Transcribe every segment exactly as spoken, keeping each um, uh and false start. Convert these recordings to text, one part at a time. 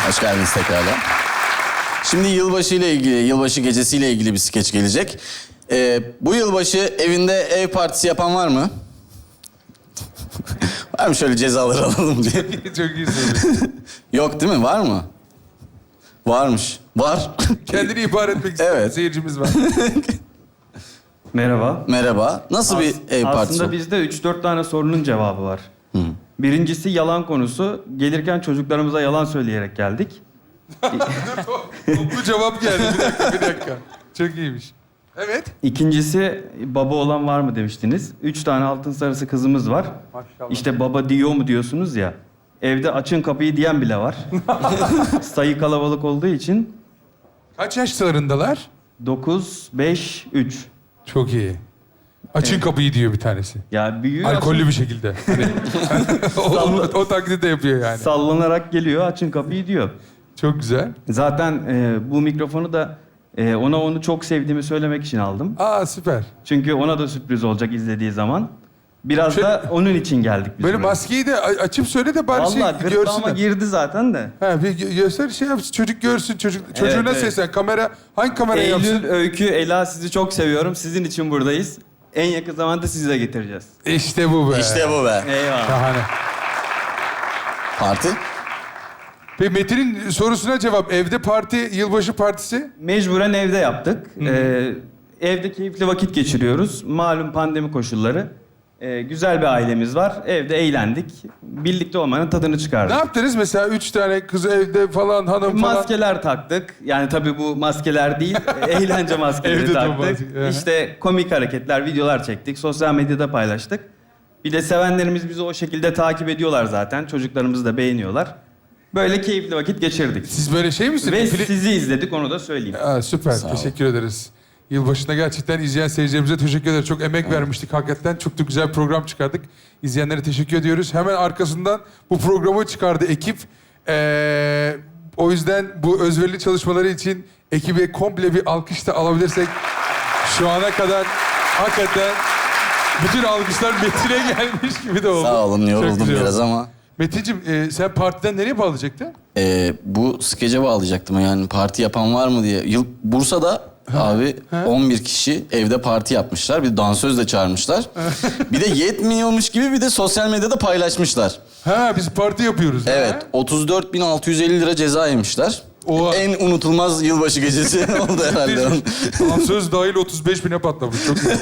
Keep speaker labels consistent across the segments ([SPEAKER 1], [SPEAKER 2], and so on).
[SPEAKER 1] Hoş geldiniz tekrardan. Şimdi yılbaşı ile ilgili, yılbaşı gecesiyle ilgili bir skeç gelecek. Ee, bu yılbaşı evinde ev partisi yapan var mı? Var mı şöyle cezaları alalım diye?
[SPEAKER 2] Çok iyi söyledin.
[SPEAKER 1] Yok değil mi? Var mı? Varmış. Var.
[SPEAKER 2] Kendini ihbar etmek isteyen
[SPEAKER 1] Evet.
[SPEAKER 2] seyircimiz var.
[SPEAKER 3] Merhaba.
[SPEAKER 1] Merhaba. Nasıl bir ev partisi?
[SPEAKER 3] Aslında bizde üç dört tane sorunun cevabı var.
[SPEAKER 1] Hı.
[SPEAKER 3] Birincisi yalan konusu. Gelirken çocuklarımıza yalan söyleyerek geldik.
[SPEAKER 2] Toplu cevap geldi. Bir dakika, bir dakika. Çok iyiymiş. Evet.
[SPEAKER 3] İkincisi baba olan var mı demiştiniz. Üç tane altın sarısı kızımız var.
[SPEAKER 2] Maşallah.
[SPEAKER 3] İşte baba diyor mu diyorsunuz ya. Evde açın kapıyı diyen bile var. Sayı kalabalık olduğu için
[SPEAKER 2] Kaç yaşlarındalar?
[SPEAKER 3] dokuz, beş, üç.
[SPEAKER 2] Çok iyi. Açın kapıyı diyor bir tanesi.
[SPEAKER 3] Ya büyüğü
[SPEAKER 2] Alkollü bir şekilde. Hani, o, o, o taklidi de yapıyor yani.
[SPEAKER 3] sallanarak geliyor, açın kapıyı diyor.
[SPEAKER 2] Çok güzel.
[SPEAKER 3] Zaten e, bu mikrofonu da e, ona onu çok sevdiğimi söylemek için aldım.
[SPEAKER 2] Aa süper.
[SPEAKER 3] Çünkü ona da sürpriz olacak izlediği zaman. Biraz
[SPEAKER 2] Şöyle-
[SPEAKER 3] da onun için geldik biz
[SPEAKER 2] Böyle
[SPEAKER 3] buraya.
[SPEAKER 2] maskeyi de a- açıp söyle de bari
[SPEAKER 3] Vallahi
[SPEAKER 2] şey
[SPEAKER 3] gırtlağıma
[SPEAKER 2] görsünler.
[SPEAKER 3] girdi zaten de.
[SPEAKER 2] Ha, bir gö- göster şey yapsın. Çocuk görsün. Çocuk, çocuğuna
[SPEAKER 3] Evet, evet.
[SPEAKER 2] seslen. Kamera hangi kameraya yapsın?
[SPEAKER 3] Eylül, Öykü, Ela sizi çok seviyorum. Sizin için buradayız. En yakın zamanda sizi de getireceğiz.
[SPEAKER 2] İşte bu be.
[SPEAKER 1] İşte bu be.
[SPEAKER 3] Eyvallah.
[SPEAKER 2] Şahane.
[SPEAKER 1] Parti.
[SPEAKER 2] Peki Metin'in sorusuna cevap. Evde parti, yılbaşı partisi.
[SPEAKER 3] Mecburen evde yaptık. Ee, evde keyifli vakit geçiriyoruz. Malum pandemi koşulları. Ee, güzel bir ailemiz var. Evde eğlendik. Birlikte olmanın tadını
[SPEAKER 2] Ne
[SPEAKER 3] çıkardık.
[SPEAKER 2] yaptınız mesela? Üç tane kız evde falan, hanım falan.
[SPEAKER 3] Maskeler taktık. Yani tabii bu maskeler değil, eğlence maskeleri
[SPEAKER 2] Evde de
[SPEAKER 3] taktık.
[SPEAKER 2] maske, aha.
[SPEAKER 3] İşte komik hareketler, videolar çektik. Sosyal medyada paylaştık. Bir de sevenlerimiz bizi o şekilde takip ediyorlar zaten. Çocuklarımız da beğeniyorlar. Böyle keyifli vakit geçirdik.
[SPEAKER 2] Siz böyle şey misiniz?
[SPEAKER 3] Ve
[SPEAKER 2] Pili-
[SPEAKER 3] sizi izledik, onu da söyleyeyim.
[SPEAKER 2] Aa, süper.
[SPEAKER 1] Sağ ol.
[SPEAKER 2] Teşekkür ederiz. Yılbaşında gerçekten izleyen seyircilerimize teşekkür ederiz. Çok emek vermiştik hakikaten. Çok da güzel bir program çıkardık. İzleyenlere teşekkür ediyoruz. Hemen arkasından bu programı çıkardı ekip. Ee, o yüzden bu özverili çalışmaları için ekibe komple bir alkış da alabilirsek şu ana kadar hakikaten bütün alkışlar Metin'e gelmiş gibi de oldu.
[SPEAKER 1] Sağ olun,
[SPEAKER 2] Çok
[SPEAKER 1] yoruldum
[SPEAKER 2] güzel
[SPEAKER 1] biraz
[SPEAKER 2] oldu.
[SPEAKER 1] ama.
[SPEAKER 2] Metin'cim e, sen partiden nereye bağlayacaktın?
[SPEAKER 1] Ee, bu skece bağlayacaktım yani parti yapan var mı diye. Yıl, Bursa'da abi on bir kişi evde parti yapmışlar. Bir dansöz de çağırmışlar. Bir de yetmiyormuş gibi bir de sosyal medyada paylaşmışlar.
[SPEAKER 2] Ha biz parti yapıyoruz.
[SPEAKER 1] Evet,
[SPEAKER 2] Ha?
[SPEAKER 1] otuz dört bin altı yüz elli lira ceza yemişler.
[SPEAKER 2] Oha.
[SPEAKER 1] En unutulmaz yılbaşı gecesi oldu herhalde.
[SPEAKER 2] Söz dahil otuz beş bine patlamış. Çok iyi.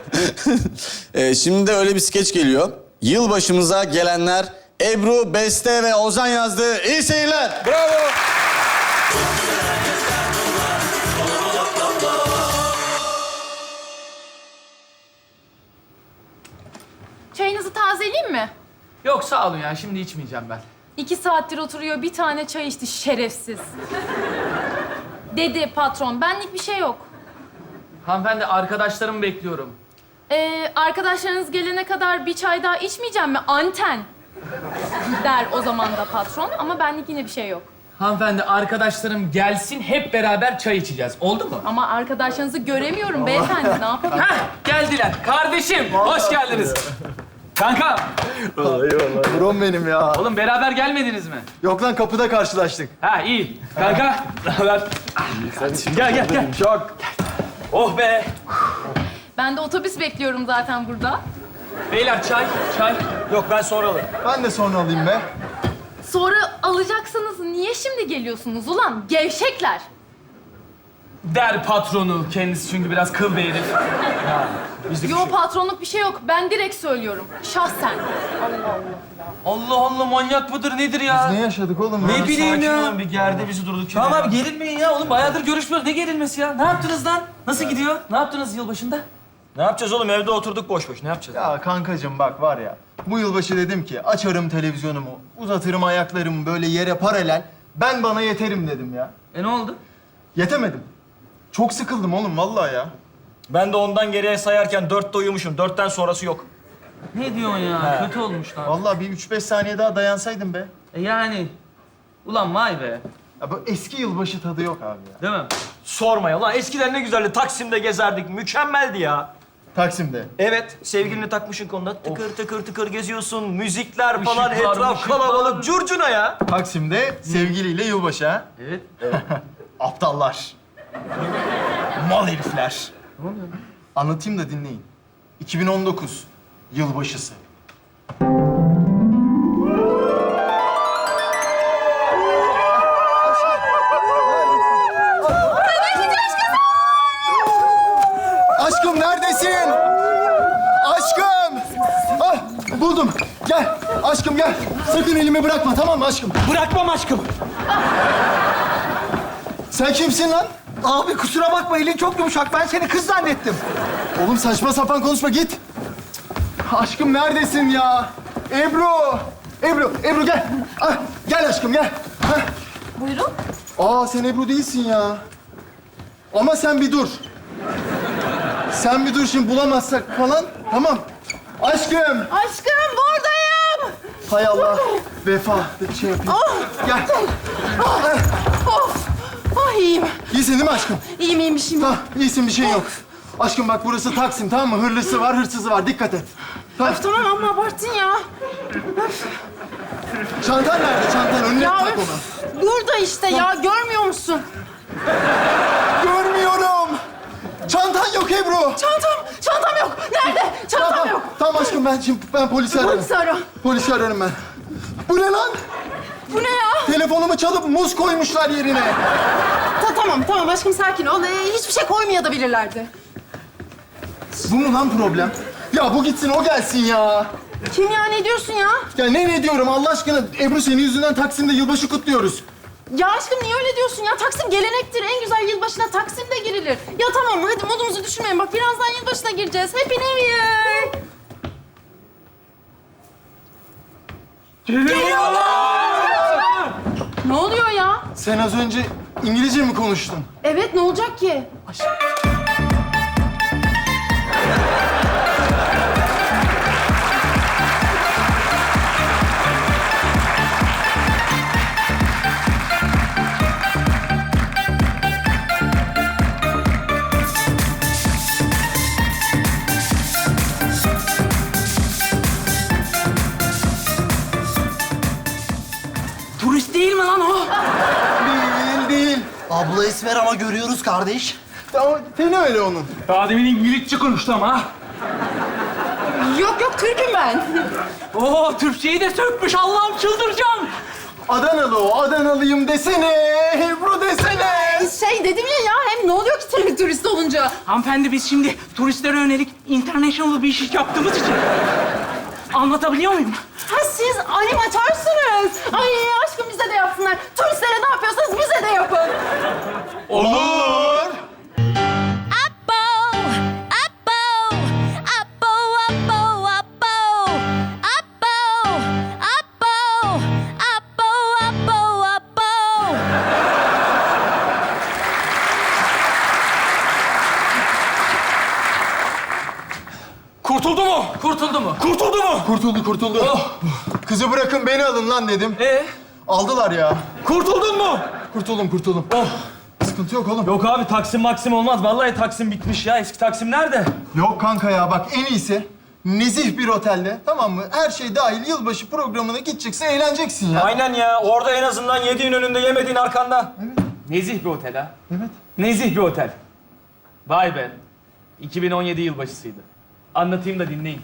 [SPEAKER 1] Ee, şimdi de öyle bir skeç geliyor. Yılbaşımıza gelenler Ebru, Beste ve Ozan yazdı. İyi seyirler.
[SPEAKER 2] Bravo.
[SPEAKER 4] Çayınızı tazeleyeyim mi?
[SPEAKER 5] Yok sağ olun ya, şimdi içmeyeceğim ben.
[SPEAKER 4] İki saattir oturuyor, bir tane çay içti şerefsiz. Dedi patron, benlik bir şey yok.
[SPEAKER 5] Hanımefendi, arkadaşlarımı bekliyorum.
[SPEAKER 4] Ee, arkadaşlarınız gelene kadar bir çay daha içmeyeceğim mi? Anten. Der o zaman da patron ama benlik yine bir şey yok.
[SPEAKER 5] Hanımefendi, arkadaşlarım gelsin, hep beraber çay içeceğiz. Oldu mu?
[SPEAKER 4] Ama arkadaşlarınızı göremiyorum beyefendi, ne yapalım?
[SPEAKER 5] Heh, geldiler. Kardeşim, hoş geldiniz. Kanka,
[SPEAKER 6] Brom benim ya.
[SPEAKER 5] oğlum beraber gelmediniz mi?
[SPEAKER 6] Yok lan kapıda karşılaştık.
[SPEAKER 5] Ha, iyi. Kanka, ne haber? Gel, gel, gel.
[SPEAKER 6] Çok.
[SPEAKER 5] Oh be.
[SPEAKER 4] Ben de otobüs bekliyorum zaten burada.
[SPEAKER 5] Beyler, çay, çay.
[SPEAKER 6] Yok ben sonra alırım. Ben de sonra alayım be.
[SPEAKER 4] Sonra alacaksınız, niye şimdi geliyorsunuz ulan? Gevşekler.
[SPEAKER 5] Der patronu. Kendisi çünkü biraz kıl bir herif.
[SPEAKER 4] Yo patronluk bir şey yok, ben direkt söylüyorum. Şahsen.
[SPEAKER 5] Allah Allah, manyak mıdır nedir ya?
[SPEAKER 6] Ne yaşadık oğlum?
[SPEAKER 5] Ne bileyim ya.
[SPEAKER 6] Bir gerdi bizi durduk.
[SPEAKER 5] Tamam abi, gerilmeyin ya. Oğlum bayağıdır görüşmüyoruz. Ne gerilmesi ya? Ne yaptınız lan? Nasıl gidiyor? Ne yaptınız yılbaşında?
[SPEAKER 7] Ne yapacağız oğlum? Evde oturduk boş boş. Ne yapacağız?
[SPEAKER 6] Ya kankacığım bak var ya. Bu yılbaşı dedim ki açarım televizyonumu, uzatırım ayaklarımı böyle yere paralel. Ben bana yeterim dedim ya.
[SPEAKER 5] E ne oldu?
[SPEAKER 6] Yetemedim. Çok sıkıldım oğlum vallahi ya.
[SPEAKER 7] Ben de ondan geriye sayarken dörtte uyumuşum. Dörtten sonrası yok.
[SPEAKER 5] Ne diyorsun ya? Kötü olmuş lan.
[SPEAKER 6] Vallahi bir üç beş saniye daha dayansaydım be.
[SPEAKER 5] E yani. Ulan vay be.
[SPEAKER 6] Ya bu eski yılbaşı tadı yok abi ya.
[SPEAKER 5] Değil mi?
[SPEAKER 7] Sorma ya lan. Eskiden ne güzeldi. Taksim'de gezerdik. Mükemmeldi ya.
[SPEAKER 6] Taksim'de.
[SPEAKER 7] Evet, sevgilini takmışın konuda. Tıkır tıkır tıkır geziyorsun. Müzikler falan,
[SPEAKER 5] Işık var,
[SPEAKER 7] etraf
[SPEAKER 5] ışık
[SPEAKER 7] kalabalık.
[SPEAKER 5] var.
[SPEAKER 7] Curcuna ya.
[SPEAKER 6] Taksim'de sevgiliyle yılbaşı ha.
[SPEAKER 5] Evet.
[SPEAKER 6] Aptallar. Mal herifler. Anlatayım da dinleyin. iki bin on dokuz yılbaşısı. Aşkım neredesin? Aşkım! Ah, buldum. Gel. Aşkım gel. Sakın elimi bırakma tamam mı aşkım?
[SPEAKER 7] Bırakmam aşkım.
[SPEAKER 6] Sen kimsin lan?
[SPEAKER 8] Abi kusura bakma elin çok yumuşak. Ben seni kız zannettim.
[SPEAKER 6] Oğlum saçma sapan konuşma git. Aşkım neredesin ya? Ebru! Ebru, Ebru gel. Ah, gel aşkım gel. Hah.
[SPEAKER 4] Buyurun.
[SPEAKER 6] Aa sen Ebru değilsin ya. Ama sen bir dur. Sen bir dur şimdi bulamazsak falan. Tamam. Aşkım.
[SPEAKER 4] Aşkım buradayım.
[SPEAKER 6] Hay Allah. Vefa. Bir şey yapayım. Gel.
[SPEAKER 9] Of! Ah iyiyim.
[SPEAKER 6] İyisin değil mi aşkım?
[SPEAKER 9] İyiyim iyiymişim.
[SPEAKER 6] Tamam, iyisin bir şey yok. Aşkım bak burası Taksim tamam mı? Hırlısı var, hırsızı var. Dikkat et. Tamam.
[SPEAKER 9] Öf tamam amma abarttın ya.
[SPEAKER 6] Çantan nerede? Çantan önüne
[SPEAKER 9] Ya
[SPEAKER 6] tak
[SPEAKER 9] öf,
[SPEAKER 6] onu.
[SPEAKER 9] burada işte ya görmüyor musun?
[SPEAKER 6] Görmüyorum. Çantan yok Ebru.
[SPEAKER 9] Çantam, çantam yok. Nerede? Çantam
[SPEAKER 6] Tamam,
[SPEAKER 9] yok.
[SPEAKER 6] tamam aşkım ben şimdi ben polisi ararım.
[SPEAKER 9] Polisi ara.
[SPEAKER 6] Polisi ararım ben. Bu ne lan?
[SPEAKER 9] Bu ne ya?
[SPEAKER 6] Telefonumu çalıp muz koymuşlar yerine.
[SPEAKER 9] Ta, tamam tamam aşkım sakin ol. Ee, hiçbir şey koymayabilirlerdi.
[SPEAKER 6] Bu mu lan problem? Ya bu gitsin o gelsin ya.
[SPEAKER 9] Kim ya ne diyorsun ya?
[SPEAKER 6] Ya ne ne diyorum Allah aşkına Ebru senin yüzünden Taksim'de yılbaşı kutluyoruz.
[SPEAKER 9] Ya aşkım niye öyle diyorsun ya? Taksim gelenektir. En güzel yılbaşına Taksim'de girilir. Ya tamam hadi modumuzu düşürmeyin. Bak birazdan yılbaşına gireceğiz. Happy New Year. Ne oluyor ya?
[SPEAKER 6] Sen az önce İngilizce mi konuştun?
[SPEAKER 9] Evet ne olacak ki?
[SPEAKER 5] Turist değil mi lan o?
[SPEAKER 6] Değil değil.
[SPEAKER 8] Abla esmer ama görüyoruz kardeş.
[SPEAKER 6] Ama teni öyle onun.
[SPEAKER 5] Daha demin İngilizce konuştu ama.
[SPEAKER 9] Yok yok Türk'üm ben.
[SPEAKER 5] Oo, Türkçeyi de sökmüş. Allah'ım çıldıracağım.
[SPEAKER 6] Adanalı o, Adanalıyım desene. Ebru desene.
[SPEAKER 9] Şey dedim ya ya hem ne oluyor ki tur- turist olunca?
[SPEAKER 5] Hanımefendi biz şimdi turistlere yönelik international bir iş yaptığımız için... Anlatabiliyor muyum?
[SPEAKER 9] Ha siz animatörsünüz. Ay aşkım bize de yapsınlar. Turistlere ne yapıyorsanız bize de yapın.
[SPEAKER 6] Olur.
[SPEAKER 5] Kurtuldu mu? Kurtuldu mu? Kurtuldu mu?
[SPEAKER 6] Kurtuldu kurtuldu.
[SPEAKER 5] Oh.
[SPEAKER 6] Kızı bırakın beni alın lan dedim.
[SPEAKER 5] Ee?
[SPEAKER 6] Aldılar ya.
[SPEAKER 5] Kurtuldun mu?
[SPEAKER 6] Kurtuldum kurtuldum.
[SPEAKER 7] Oh.
[SPEAKER 6] Sıkıntı yok oğlum.
[SPEAKER 7] Yok abi Taksim Maksim olmaz. Vallahi Taksim bitmiş ya. Eski Taksim nerede?
[SPEAKER 6] Yok kanka ya bak en iyisi nezih bir otelde tamam mı? Her şey dahil yılbaşı programına gideceksin, eğleneceksin ya.
[SPEAKER 7] Aynen ya. Orada en azından yediğin önünde, yemediğin arkanda.
[SPEAKER 5] Nezih bir otel ha.
[SPEAKER 6] Evet.
[SPEAKER 5] Nezih bir otel. Vay be. iki bin on yedi yılbaşısıydı. Anlatayım da dinleyin.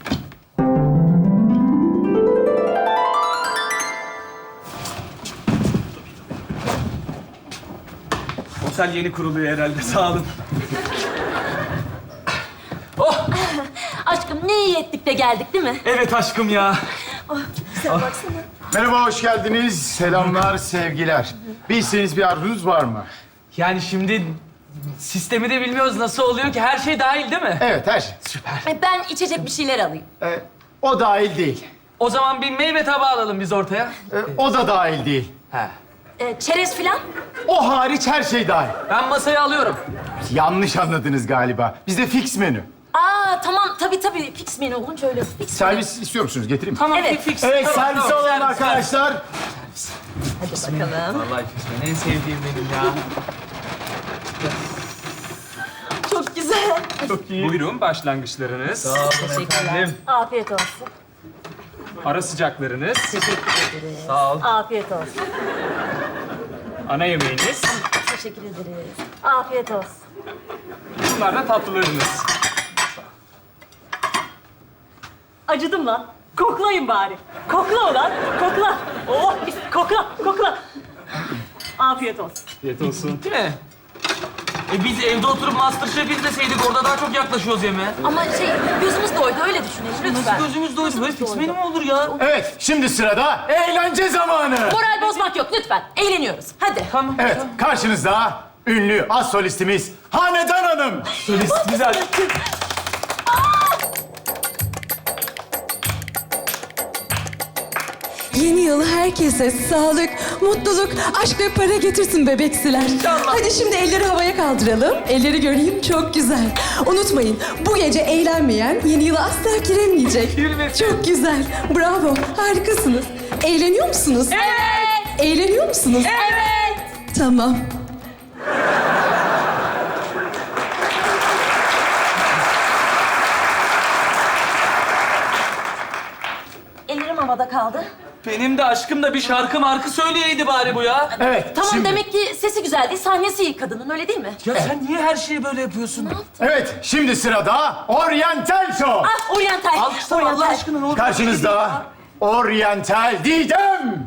[SPEAKER 5] Otel yeni kuruluyor herhalde. Sağ olun. Oh!
[SPEAKER 10] Aşkım ne iyi ettik de geldik değil mi?
[SPEAKER 5] Evet aşkım ya.
[SPEAKER 10] Güzel baksana.
[SPEAKER 11] Merhaba, hoş geldiniz. Selamlar, sevgiler. Bir isteğiniz, bir arzunuz var mı?
[SPEAKER 5] Yani şimdi sistemi de bilmiyoruz nasıl oluyor ki. Her şey dahil değil mi?
[SPEAKER 11] Evet, her şey.
[SPEAKER 10] Ay, Ben içecek bir şeyler alayım.
[SPEAKER 11] Ee, o dahil değil.
[SPEAKER 5] O zaman bir meyve tabağı alalım biz ortaya.
[SPEAKER 11] Ee, o da dahil değil.
[SPEAKER 5] He.
[SPEAKER 10] Ee, çerez filan.
[SPEAKER 11] O hariç her şey dahil.
[SPEAKER 5] Ben masayı alıyorum.
[SPEAKER 11] Yanlış anladınız galiba. Bizde fix menü.
[SPEAKER 10] Aa tamam tabii tabii fix menü olunca öyle fix menü.
[SPEAKER 11] Servis istiyor musunuz? Getireyim mi?
[SPEAKER 5] Tamam,
[SPEAKER 10] Evet.
[SPEAKER 5] fix.
[SPEAKER 11] Evet,
[SPEAKER 5] Tamam,
[SPEAKER 11] servis
[SPEAKER 5] tamam,
[SPEAKER 11] alalım
[SPEAKER 5] servis,
[SPEAKER 11] arkadaşlar.
[SPEAKER 10] Hadi bakalım.
[SPEAKER 5] Vallahi fix menü en sevdiğim benim ya.
[SPEAKER 10] Çok güzel.
[SPEAKER 12] Buyurun başlangıçlarınız.
[SPEAKER 7] Sağ olun efendim.
[SPEAKER 10] Afiyet olsun.
[SPEAKER 12] Ara sıcaklarınız.
[SPEAKER 10] Teşekkür ederiz.
[SPEAKER 7] Sağ ol.
[SPEAKER 10] Afiyet olsun.
[SPEAKER 12] Ana yemeğiniz.
[SPEAKER 10] Teşekkür ederiz. Afiyet olsun.
[SPEAKER 12] Bunlar da tatlılarınız.
[SPEAKER 10] Acıdım lan. Koklayın bari. Kokla ulan. Kokla. Oh, biz kokla, kokla. Afiyet olsun.
[SPEAKER 12] Afiyet olsun.
[SPEAKER 5] Değil mi? E biz evde oturup Masterchef izleseydik orada daha çok yaklaşıyoruz yemeğe.
[SPEAKER 10] Ama şey, gözümüz doydu, öyle düşünelim lütfen.
[SPEAKER 5] Nasıl gözümüz doydu? Böyle fix menü mü olur ya?
[SPEAKER 11] Evet, şimdi sırada eğlence zamanı.
[SPEAKER 10] Moral bozmak yok lütfen. Eğleniyoruz. Hadi.
[SPEAKER 5] Tamam.
[SPEAKER 11] Evet, karşınızda ünlü az solistimiz Hanedan Hanım.
[SPEAKER 5] Solist güzel.
[SPEAKER 9] Yeni yıl herkese sağlık, mutluluk, aşk ve para getirsin bebeksiler. Hadi şimdi elleri havaya kaldıralım. Elleri göreyim, çok güzel. Unutmayın, bu gece eğlenmeyen yeni yıla asla giremeyecek. Çok güzel, bravo, harikasınız. Eğleniyor musunuz?
[SPEAKER 10] Evet.
[SPEAKER 9] Eğleniyor musunuz?
[SPEAKER 10] Evet.
[SPEAKER 9] Tamam.
[SPEAKER 10] Ellerim havada kaldı.
[SPEAKER 5] Benim de aşkım da bir şarkı markı söyleyeydi bari bu ya.
[SPEAKER 11] Evet,
[SPEAKER 10] Tamam
[SPEAKER 11] şimdi...
[SPEAKER 10] demek ki sesi güzel değil, sahnesi iyi kadının öyle değil mi?
[SPEAKER 5] Ya sen niye her şeyi böyle yapıyorsun?
[SPEAKER 11] Evet, şimdi sırada Oriental Show.
[SPEAKER 10] Ah, oryantal.
[SPEAKER 5] Alkışlar Allah
[SPEAKER 10] oryantal.
[SPEAKER 5] aşkına ne olur.
[SPEAKER 11] Karşınızda Oriental Didem.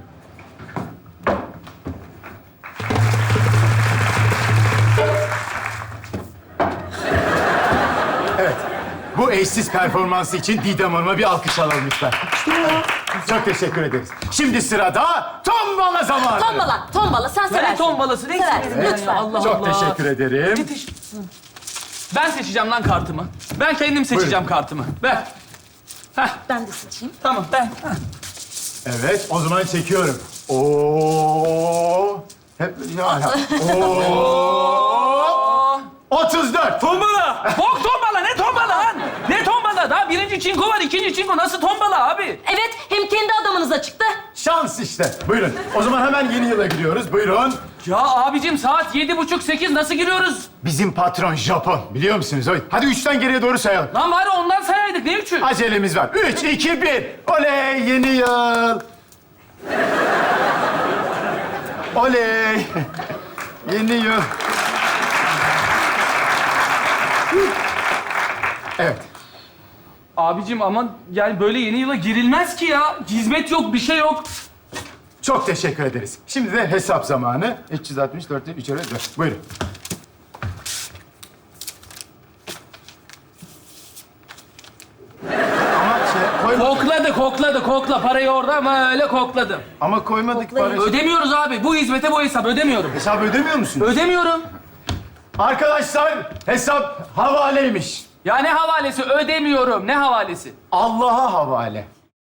[SPEAKER 11] Evet, bu eşsiz performansı için Didem Hanım'a bir alkış alalım lütfen. Çok teşekkür ederiz. Şimdi sırada tombala zamanı.
[SPEAKER 10] Tombala, tombala. Sen seversin.
[SPEAKER 5] Ne tombalası? Ne
[SPEAKER 10] Seversin,
[SPEAKER 5] istedim
[SPEAKER 10] lütfen.
[SPEAKER 5] Allah
[SPEAKER 11] Çok
[SPEAKER 5] Allah.
[SPEAKER 11] teşekkür ederim.
[SPEAKER 5] Ne teş- Ben seçeceğim lan kartımı. Ben kendim seçeceğim kartımı. Ver. Heh,
[SPEAKER 10] Ben de seçeyim.
[SPEAKER 5] tamam ben.
[SPEAKER 11] Evet, o zaman çekiyorum. Oo. Hep ya. Oo. otuz dört.
[SPEAKER 5] Tombala! Bok tombala! Ne tombala lan? Ne tombala? Daha birinci çinko var, ikinci çinko. Nasıl tombala abi?
[SPEAKER 10] Evet, hem kendi adamınıza çıktı.
[SPEAKER 11] Şans işte. Buyurun. O zaman hemen yeni yıla gidiyoruz. Buyurun.
[SPEAKER 5] Ya abicim saat yedi buçuk sekiz nasıl giriyoruz?
[SPEAKER 11] Bizim patron Japon. Biliyor musunuz? Hadi üçten geriye doğru sayalım.
[SPEAKER 5] Lan bari ondan sayaydık. Ne üçü?
[SPEAKER 11] Acelemiz var. Üç, iki, bir. Oley yeni yıl. Oley. Yeni yıl. Evet.
[SPEAKER 5] Abicim aman yani böyle yeni yıla girilmez ki ya. Hizmet yok, bir şey yok.
[SPEAKER 11] Çok teşekkür ederiz. Şimdi de hesap zamanı. üç yüz altmış dört, üç öyle dört. Buyurun. Ama şey, koymadık.
[SPEAKER 5] Kokladı, kokladı, kokla. Parayı orada ama öyle kokladım.
[SPEAKER 11] Ama koymadık parayı.
[SPEAKER 5] Ödemiyoruz abi. Bu hizmete bu hesap. Ödemiyorum.
[SPEAKER 11] Hesabı ödemiyor musunuz?
[SPEAKER 5] Ödemiyorum.
[SPEAKER 11] Arkadaşlar hesap havaleymiş.
[SPEAKER 5] Ya ne havalesi? Ödemiyorum. Ne havalesi?
[SPEAKER 11] Allah'a havale.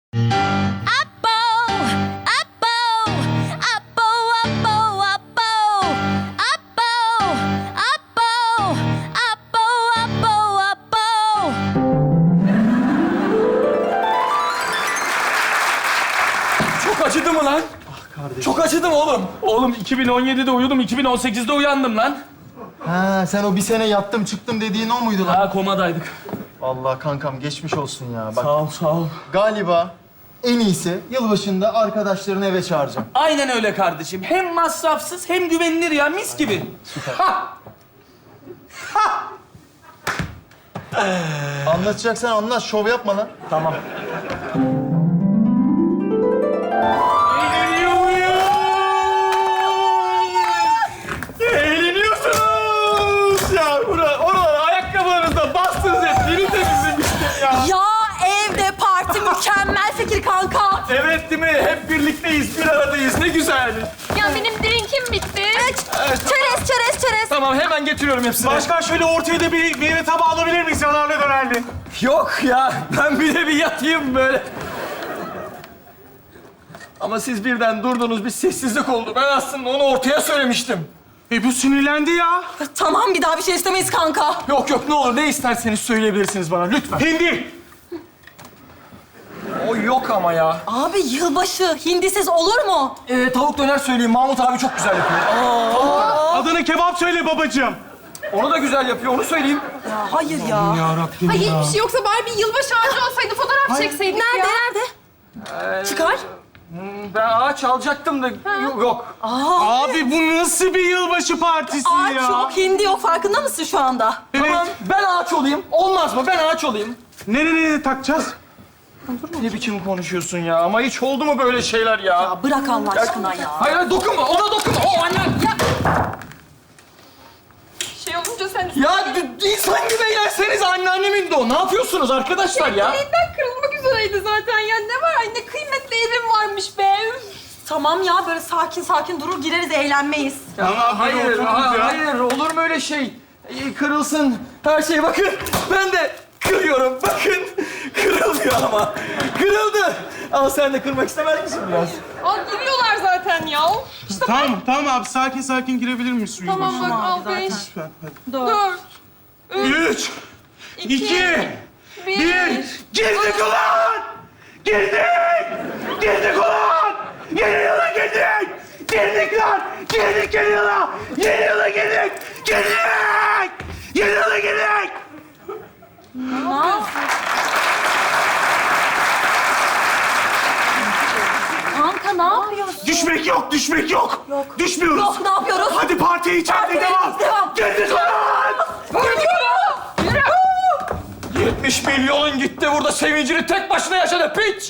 [SPEAKER 5] Çok acıdı mı lan? Ah kardeşim. Çok acıdı mı oğlum? Oğlum iki bin on yedide uyudum, iki bin on sekizde uyandım lan.
[SPEAKER 6] Ha, sen o bir sene yattım çıktım dediğin o muydu lan?
[SPEAKER 5] Ha komadaydık.
[SPEAKER 6] Allah kankam geçmiş olsun ya. Bak
[SPEAKER 5] Sağ ol, sağ ol.
[SPEAKER 6] galiba en iyisi yılbaşında arkadaşlarını eve çağıracağım.
[SPEAKER 5] Aynen öyle kardeşim. Hem masrafsız hem güvenilir ya, mis gibi. Ha!
[SPEAKER 6] Anlatacaksan anlat, şov yapma lan.
[SPEAKER 5] Tamam. Eğleniyor muyuz? Eğleniyorsunuz! Ya bura, oralara ayakkabılarınızla bastınız hep. Yeni temizlemiştim ya.
[SPEAKER 9] Ya evde parti mükemmel fikir kanka.
[SPEAKER 5] Evet değil mi? Hep birlikteyiz, bir aradayız. Ne güzel.
[SPEAKER 4] Ya benim drinkim bitti.
[SPEAKER 9] Çerez, çerez, çerez.
[SPEAKER 5] Tamam, hemen getiriyorum hepsini.
[SPEAKER 12] Başkan şöyle ortaya da bir meyve tabağı alabilir miyiz? Yanarlı dönerli.
[SPEAKER 5] Yok ya, ben bir de bir yatayım böyle. Ama siz birden durdunuz, bir sessizlik oldu. Ben aslında onu ortaya söylemiştim.
[SPEAKER 12] E bu sinirlendi ya.
[SPEAKER 9] Tamam, bir daha bir şey istemeyiz kanka.
[SPEAKER 5] Yok yok, ne olur ne isterseniz söyleyebilirsiniz bana lütfen.
[SPEAKER 12] Hindi.
[SPEAKER 5] O yok ama ya.
[SPEAKER 9] Abi yılbaşı hindisiz olur mu?
[SPEAKER 5] Ee, tavuk döner söyleyeyim, Mahmut abi çok güzel yapıyor.
[SPEAKER 12] Adana kebap söyle babacığım.
[SPEAKER 5] Onu da güzel yapıyor, onu söyleyeyim.
[SPEAKER 10] Ya hayır ya.
[SPEAKER 12] Yarabbim
[SPEAKER 4] Ay
[SPEAKER 12] ya.
[SPEAKER 4] hiçbir şey yoksa bari bir yılbaşı ağacı olsaydı fotoğraf çekseydik
[SPEAKER 10] Nerede,
[SPEAKER 4] ya.
[SPEAKER 10] nerede? Çıkar.
[SPEAKER 5] Ben ağaç alacaktım da yok. yok.
[SPEAKER 12] Abi bu nasıl bir yılbaşı partisi
[SPEAKER 10] Ağaç
[SPEAKER 12] ya?
[SPEAKER 10] yok, hindi yok. Farkında mısın şu anda?
[SPEAKER 12] Evet.
[SPEAKER 5] Tamam, ben ağaç olayım. Olmaz mı? Ben ağaç olayım.
[SPEAKER 12] Nereye takacağız?
[SPEAKER 5] Ne biçim konuşuyorsun ya? Ama hiç oldu mu böyle şeyler ya?
[SPEAKER 10] Ya bırak Allah aşkına ya.
[SPEAKER 5] Hayır, hayır dokunma. Ona dokunma. O annen. Ya,
[SPEAKER 4] Şey olunca sen...
[SPEAKER 5] ya d- insan gibi eğlenseniz anneannemin de o. Ne yapıyorsunuz arkadaşlar ya?
[SPEAKER 4] Elinden kırılmak üzereydi zaten ya. Ne var? Ay ne kıymetli evim varmış be. Üf.
[SPEAKER 10] Tamam ya, böyle sakin sakin durur gireriz, eğlenmeyiz.
[SPEAKER 5] Ya, hayır,
[SPEAKER 12] otururuz
[SPEAKER 5] ha-
[SPEAKER 12] ya.
[SPEAKER 5] hayır. Olur mu öyle şey? Ee, Kırılsın her şey. Bakın, ben de kırıyorum. Bakın, kırılmıyor ama. Kırıldı. Al sen de kırmak istemez misin biraz?
[SPEAKER 4] Aa giriyorlar zaten ya. İşte
[SPEAKER 12] Tamam, tamam abi. Sakin sakin girebilir miyiz su
[SPEAKER 4] tamam bak
[SPEAKER 12] yılbaşına?
[SPEAKER 4] al beş,
[SPEAKER 12] Lütfen, hadi.
[SPEAKER 4] dört,
[SPEAKER 12] Üç, iki,
[SPEAKER 4] bir.
[SPEAKER 12] bir. Girdik ulan! Girdik! Girdik ulan! Yeni yıla girdik! Girdik lan! Girdik yeni yıla! Yeni yıla girdik! Girdik! Yeni yıla girdik!
[SPEAKER 10] Kanka ne yapıyorsun?
[SPEAKER 12] Düşmek yok, düşmek yok!
[SPEAKER 10] Yok.
[SPEAKER 12] Düşmüyoruz!
[SPEAKER 10] Yok, ne yapıyoruz?
[SPEAKER 12] Hadi partiye içeride
[SPEAKER 10] Partiye
[SPEAKER 12] devam!
[SPEAKER 10] devam.
[SPEAKER 12] Girdik ulan!
[SPEAKER 5] yetmiş milyonun gitti burada sevincini tek başına yaşadı piç.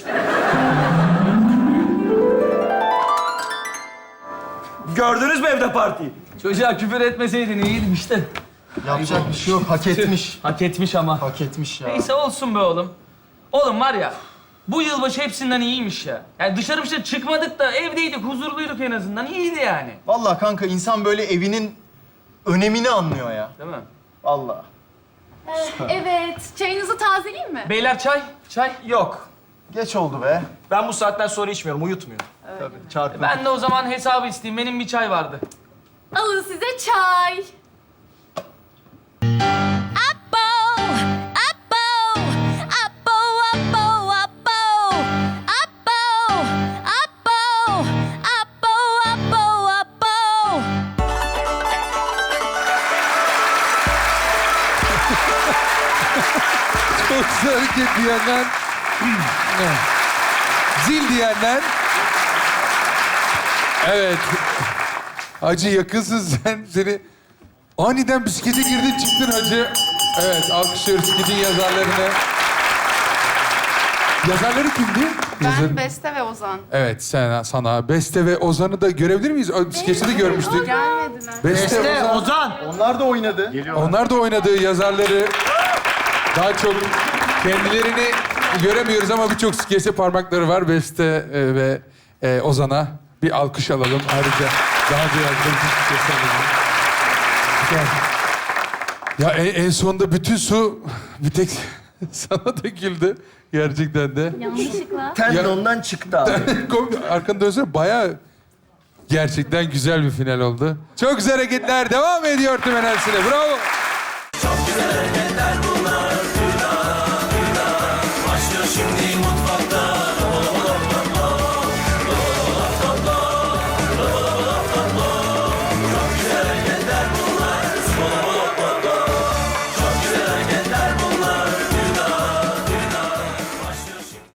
[SPEAKER 5] Gördünüz mü evde partiyi? Çocuğa küfür etmeseydin iyiydim işte.
[SPEAKER 6] Yapacak bir şey yok. Hak etmiş.
[SPEAKER 5] Hak etmiş ama.
[SPEAKER 6] Hak etmiş ya.
[SPEAKER 13] Neyse olsun be oğlum. Oğlum var ya, bu yılbaşı hepsinden iyiymiş ya. Yani dışarı bir şey çıkmadık da evdeydik, huzurluyduk en azından. İyiydi yani.
[SPEAKER 6] Vallahi kanka insan böyle evinin önemini anlıyor ya.
[SPEAKER 13] Değil mi?
[SPEAKER 6] Vallahi.
[SPEAKER 4] Evet. Çayınızı tazeleyeyim mi?
[SPEAKER 13] Beyler çay, çay.
[SPEAKER 5] Yok.
[SPEAKER 6] Geç oldu be.
[SPEAKER 5] Ben bu saatten sonra içmiyorum, uyutmuyor.
[SPEAKER 6] Tabii çarpın.
[SPEAKER 13] Ben de o zaman hesabı isteyeyim. Benim bir çay vardı.
[SPEAKER 4] Alın size çay.
[SPEAKER 2] Çok güzel hareket diyenler. Zil diyenler. Evet. Hacı yakınsın sen. Seni aniden bisiklete girdin çıktın hacı. Evet alkışlıyoruz skidin yazarlarını. Yazarları kimdi? Yazar-
[SPEAKER 4] Ben Beste ve Ozan.
[SPEAKER 2] Evet sen sana Beste ve Ozan'ı da görebilir miyiz? O Skeçte de görmüştük.
[SPEAKER 4] Gelmediler.
[SPEAKER 2] Beste, Ozan.
[SPEAKER 6] Onlar da oynadı.
[SPEAKER 2] Onlar da oynadığı yazarları daha çok kendilerini göremiyoruz ama birçok skeçte parmakları var. Beste e, ve e, Ozan'a bir alkış alalım. Ayrıca daha önce yazdığımız skeçte alalım. Güzel. Ya en, en sonunda bütün su bir tek sana döküldü. Gerçekten de.
[SPEAKER 4] Yanlışlıkla.
[SPEAKER 6] Tendondan çıktı abi.
[SPEAKER 2] Arkanı dönsene bayağı gerçekten güzel bir final oldu. Çok güzel hareketler devam ediyor tüm enerjisiyle. Bravo.
[SPEAKER 14] Çok güzel hareketler.